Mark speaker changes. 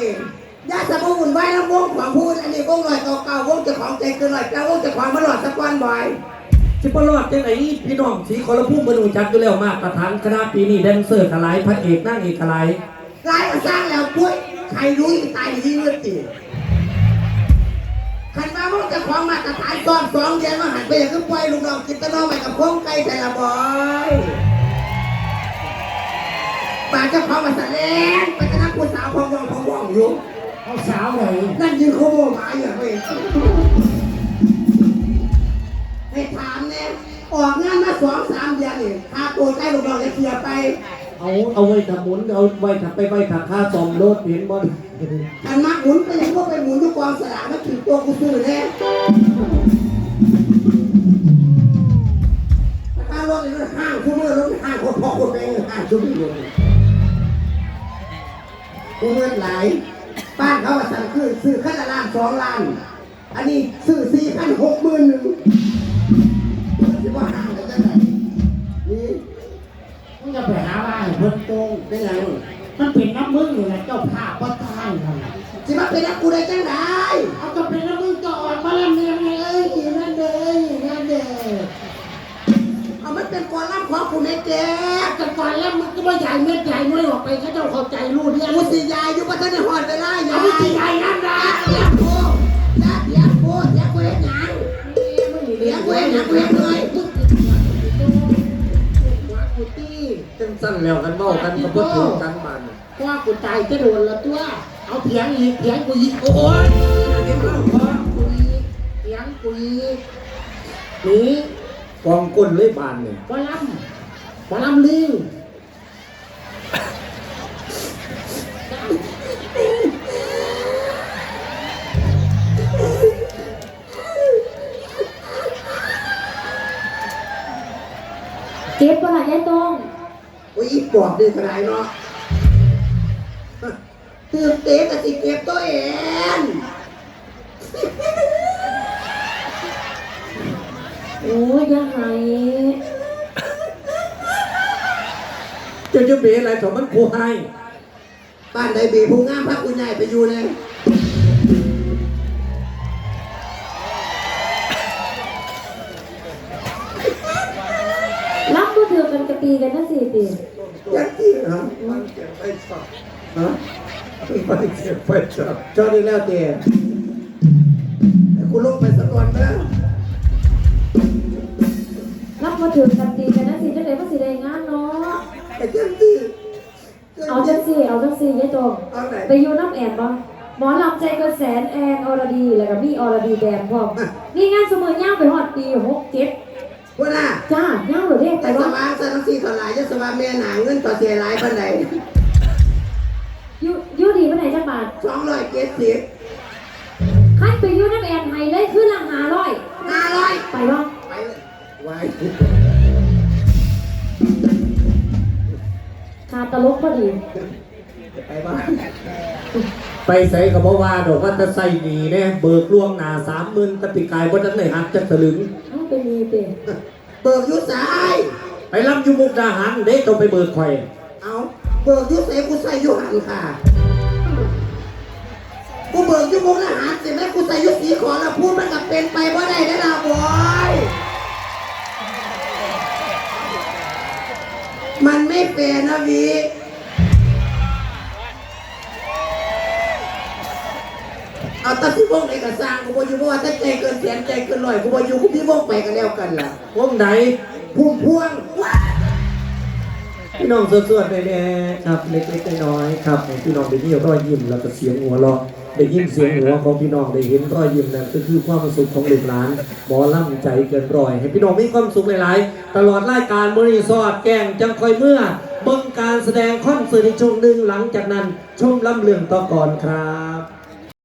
Speaker 1: นี่ญาติสมุนไว้แล้ววงของพูดอันนี้วงลอยเก่าๆวงเจ้าของใจเกินลอยแล้ววงเจ้าของมาหลอดสักวันบ่อย
Speaker 2: สิบรอดจังไหนพี่น้องสีคอร์พุ่มบรรลุจัดอยู่แล้วมากประธานคณะปีนี้แดนเซอร์กระไรพระเอกนั่งเอกกระไร
Speaker 1: รายมาสร้างแล้วปุ้ยใครรู้ตายดีเลือดตีขันมาพวกเจ้าของมาตรฐานซ้อม2 เดือนมาหันไปอย่างก็ปล่อยลูกน้องกินตะนองไปกับพงไก่แต่ละบ่อยป่าเจ้าของมาแสดงไปกระทั่งผู้สาวพองว่องอยู่
Speaker 3: เอาสาวเลย
Speaker 1: นั่นยืนโคโมหมาอย่างไรให้ถามเนี่ยออกงานมา2-3 เดือนนี่พาตัวใกล้ลูกน้องจะเคลียร์ไป
Speaker 2: เอาไว้ทำหมุนเอาไว้ถักไปไว้ถักค่าซ่อมรถเห็นบอล
Speaker 1: อันมักหมุนไปยังก็ไปหมุนทุกกองสลากมาถึงตัวกูซื้อแน่ถ้ารถนี่ห้างคู่มือรถห้างคนพ่อคนแม่ห้างชุดนี้เลยคู่มือหลายบ้านเขาสั่งคือซื้อขั้นละ1-2 ล้านอันนี้ซื้อ4 ขั้น60,000จะว่าห้างกันจะไหนนี่
Speaker 3: มึงจะไปหาบ้านเพิ่มโตงได้ไงมันเป็นน้ำมึงอยู่แหละเจ้าภาพก็ตายเลย
Speaker 1: จะมาเป็นนักกูได้จังได
Speaker 3: เอาจะเป็นน้ำมึงจะอ่อนมาแล้วเนี่ยเอ้ยนั่นเด้นั่นเด้
Speaker 1: เอามันเป็นกอลัมน์ของกูไม่แก่
Speaker 3: แต่ก่อนแล้วมึงก็ไม่ใหญ่เม็ดใหญ่ไม่ออกไปเขาเจ้าเข้าใจรู้เนี่ย
Speaker 1: กูสียายอยู่ปัตตานีหอดไปไล่ยาย
Speaker 3: สีใหญ่นั่นนะ
Speaker 1: เลี้ยงกูเลี้ยงกูเลี้ยงกูเลี้ยงหยังเลี้ยงกูเลี้ยงหยังกูเลี้ยงเลย
Speaker 2: จังสั้นแล้วกันเมากันกับเพื่อนกันมัน
Speaker 3: ว่ากูตายจะโดนละตัวเอาเถียงอีกเถียงกูอีกโอ้ยเถียงกูอีกเถียงกูอีกนี่
Speaker 2: กองก้นเลยบานเนี่ย
Speaker 3: บอลำลิง
Speaker 4: เก็บปะล่ะยายตง
Speaker 1: อุ้ยปอบดีขนาดเนาะตื่นเต้นกับสิเก็บตัวเอง
Speaker 4: โอ้ยยังไง
Speaker 2: จะเบะอะไรถมันผู้ให้
Speaker 1: บ้านใดบีผู้งามพักคุณใหญ่ไปอยู่เลย
Speaker 4: รับก็ถือกันกระตีกันนั่นสิตี
Speaker 1: ยักษ์ที่เหรอมันเก็บไปสับฮะมันเก็บไปสับจอดีแล้วเตี๋ยคุณลงไปสักก่อนนะ
Speaker 4: รับก็ถือกันตีกันนั่นสิจะได้ภาษีได้งานเนาะ
Speaker 1: แต่ยักษ์ที่
Speaker 4: เอาจังสิยายตงไปอยู่น้ำแอนบ้างหมอลำใจกระแสนแอนอรดีแล้วก็มีอรดีแดงพร้อมนี่งานเสมอย่างไปฮอดปี67
Speaker 1: ว่าน่ะ
Speaker 4: จ้าย่างหรือเด็ก
Speaker 1: แต่สว่างสันสีถลายจะสว่างแม่หนาเงินต่อเสียหลายปันใด
Speaker 4: ยูดีปันไหนจังบาท
Speaker 1: 270
Speaker 4: คันไปยูน้ำแอนไฮเลยขึ้นละ500ไปบ้าง
Speaker 1: ไปไว้
Speaker 4: คาตลกพอดี
Speaker 1: ไปบ้าน
Speaker 2: ไปใส่กับบ่ว่าดอกว่าจะใส่ดีเนี่ยเบิกล่วงหน้า30,000ตะปีกายว่าจะไหนหักจะถลึง
Speaker 4: เป็นมีเตะ
Speaker 1: เบิกยุสาย
Speaker 2: ไปรับยุมุกดาหารเด็กต้องไปเบิกข่อย
Speaker 1: เอาเบิกยุสายกูใส่ยุหันค่ะกูเบิกยุมุกดาหารเสร็จแล้วกูใส่ยุสีขอแล้วพูดมันกับเป็นไปว่าได้ได้ละบอยมันไม่เป็นนะวีเอาตัดที่วงเอกสารกูบอกอยู่ว่าถ้าใจเกินแสนใจเกินร้อยกูบอกอยู่กูพี่วงไปกันแล้วกันล่ะ
Speaker 2: วงไหน
Speaker 1: พุ่มพวง
Speaker 2: พี่น้องสวดๆแน่ๆครับเล็กๆน้อยๆครับพี่น้องได้ยินรอยยิ้มแล้วก็เสียงหัวเราะได้ยินเสียงหัวของพี่น้องได้เห็นรอยยิ้มนั่นก็คือความสุขของลูกหลานหมอล่ำใจเกินร้อยให้พี่น้องมีความสุขหลายๆตลอดรายการมื้อนี้สอดแกงจังคอยเมื่อเบิ่งการแสดงคอนเสิร์ตในช่วงหนึ่งหลังจากนั้นชมลำเรื่องต่อก่อนครับ